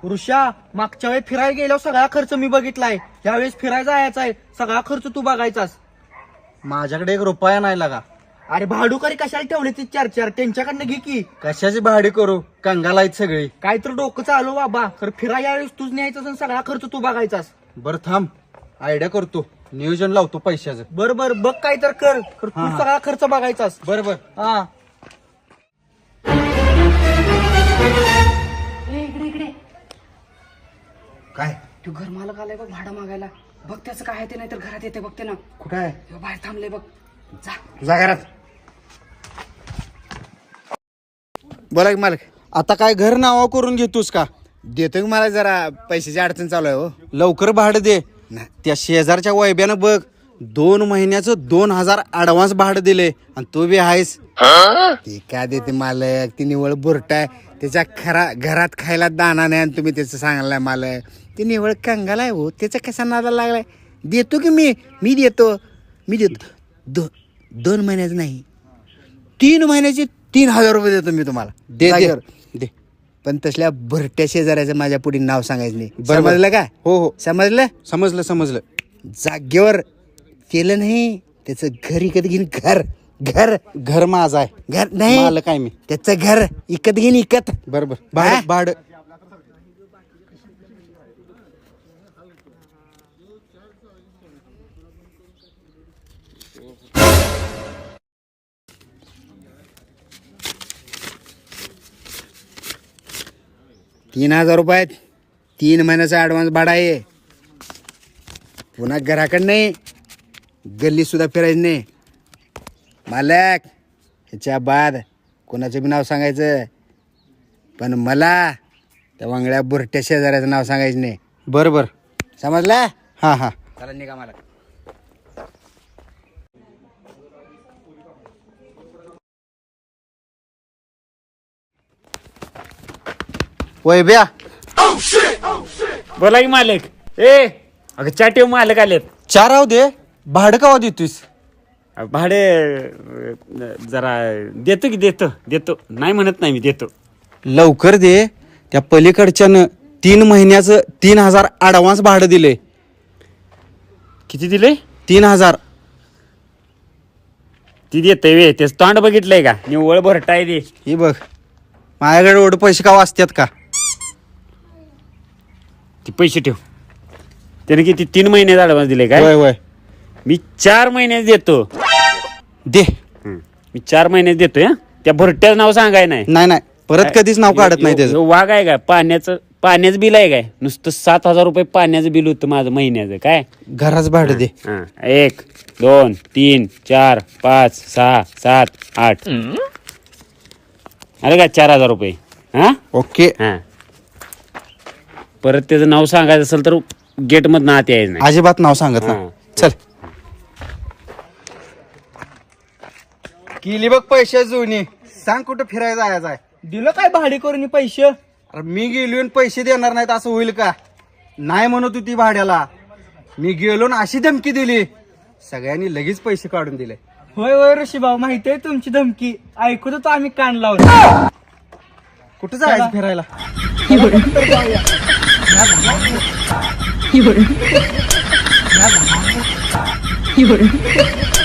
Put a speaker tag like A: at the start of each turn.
A: ऋषा मागच्या वेळी फिरायला गेल्यावर सगळा खर्च मी बघितलाय, यावेळेस फिरायला यायचा आहे, सगळा खर्च तू बघायचास.
B: माझ्याकडे 1 रुपया नाही लागा.
A: अरे भाडूकरी कशाला ठेवले ती 4-4, त्यांच्याकडनं घे की.
B: कशाची भाडी करू, कंगाल आहेत सगळी.
A: काय तर डोकं चालू बाबा, खरं फिरायला यावेळेस तूच न्यायचास आणि सगळा खर्च तू बघायचास.
B: बरं थांब, आयडिया करतो, नियोजन लावतो पैशाचं.
A: बरोबर बघ काय तर कर, तू
B: हा.
A: सगळा खर्च बघायचास.
B: बरोबर.
A: हा
C: इकडे इकडे
B: काय
C: तू घर मालक आलाय बघ भाडं मागायला. बघ त्याचं काय आहे ते, नाही तर घरात येते बघते ना.
B: कुठं आहे?
C: ह्यो बाहेर थांबले बघ. जा.
B: तुझ्या घरात. बोला की मालक. आता काय घर नावा करून घेतोस का?
D: देतो की मला जरा पैशाची अडचण चालू आहे हो.
B: लवकर भाडं दे. त्या शेजारच्या वैब्यानं बघ 2 महिन्याचं 2,000 ऍडव्हान्स भाडं दिले आणि तू बी आहेस.
D: ते काय देते मालक, ती निवळ बुरट आहे. त्याच्या घरात खायला दाना नाही आणि तुम्ही त्याचं सांगायला मालक. ती निवळ कंगाल आहे हो, त्याचा कसा नादा लागलाय. देतो की मी देतो 2 महिन्याचं नाही, 3 महिन्याचे 3,000 रुपये देतो मी तुम्हाला.
B: दे
D: जागेवर.
B: दे.
D: पण तसल्या भरट्या शेजाऱ्याचं माझ्या पुढे नाव सांगायचं नाही.
B: बरोबर.
D: समजलं का?
B: हो हो,
D: समजलं.
B: समजलं.
D: जागेवर केलं नाही त्याचं घर इकत घेईन.
B: घर माझं आहे,
D: घर नाही,
B: मालक आहे मी.
D: त्याचं घर इकत घेईन.
B: बरोबर.
D: हा?
B: भाडं
D: 3,000 रुपयात 3 महिन्याचा ऍडव्हान्स भाडा आहे. पुन्हा घराकडं नाही, गल्ली सुद्धा फिरायचं नाही. मालक ह्याच्या बाद कोणाचं बी नाव सांगायचं, पण मला त्या वांगड्या बुरट्या शेजाऱ्याचं नाव सांगायचं नाही.
B: बरोबर.
D: समजला?
B: हा.
D: चला निघा मालक.
B: वैब्या,
E: बोला की मालक. अगं चाटीव मालक आलेत.
B: 4 राहू दे. भाडं कवा देतोस?
E: भाडे जरा देतो की देतो नाही म्हणत नाही, मी देतो.
B: लवकर दे. त्या पलीकडच्यानं 3 महिन्याचं 3,000 ऍडव्हान्स भाडं दिले.
E: किती दिले?
B: 3,000.
E: ती देतय वे, तेच तोंड बघितलंय का? निव्वळ भरटाय दे.
B: ही बघ, माझ्याकडे एवढे पैसे का वाचतात का?
E: ती पैसे ठेव. त्याने किती 3 महिने ऍडव्हान्स दिले काय?
B: वय
E: मी 4 महिन्यात देतो.
B: दे.
E: मी 4 महिन्यात देतोय. त्या भरट्याचं नाव सांगाय नाही.
B: नाही परत कधीच नाव काढत नाही त्याचं.
E: ह्यो वाघ आहे काय? पाण्याचं बिल आहे काय? नुसतं 7,000 रुपये पाण्याचं बिल होतं माझं महिन्याचं. काय
B: घराच भाडं दे.
E: 1 2 3 4 5 6 7 8 अरे का 4,000 रुपये. हा
B: ओके.
E: हा, परत त्याचं नाव सांगायचं असेल तर गेट मधनं आत यायचं नाही.
B: अजिबात नाव सांगत ना.
E: हा.
B: चल. केली बघ पैसे जुनी. सांग कुठं फिरायला जायचं आहे?
A: दिलं काय भाडे करून पैसे?
B: अरे मी गेलो आणि पैसे देणार नाहीत असं होईल का? नाही म्हणत होती भाड्याला. मी गेलो ना अशी धमकी दिली, सगळ्यांनी लगेच पैसे काढून दिले.
A: होय ऋषी भाऊ, माहिती आहे तुमची धमकी. ऐकू तो आम्ही कान लावलो.
B: कुठं जायचं फिरायला?
A: तर जाऊया.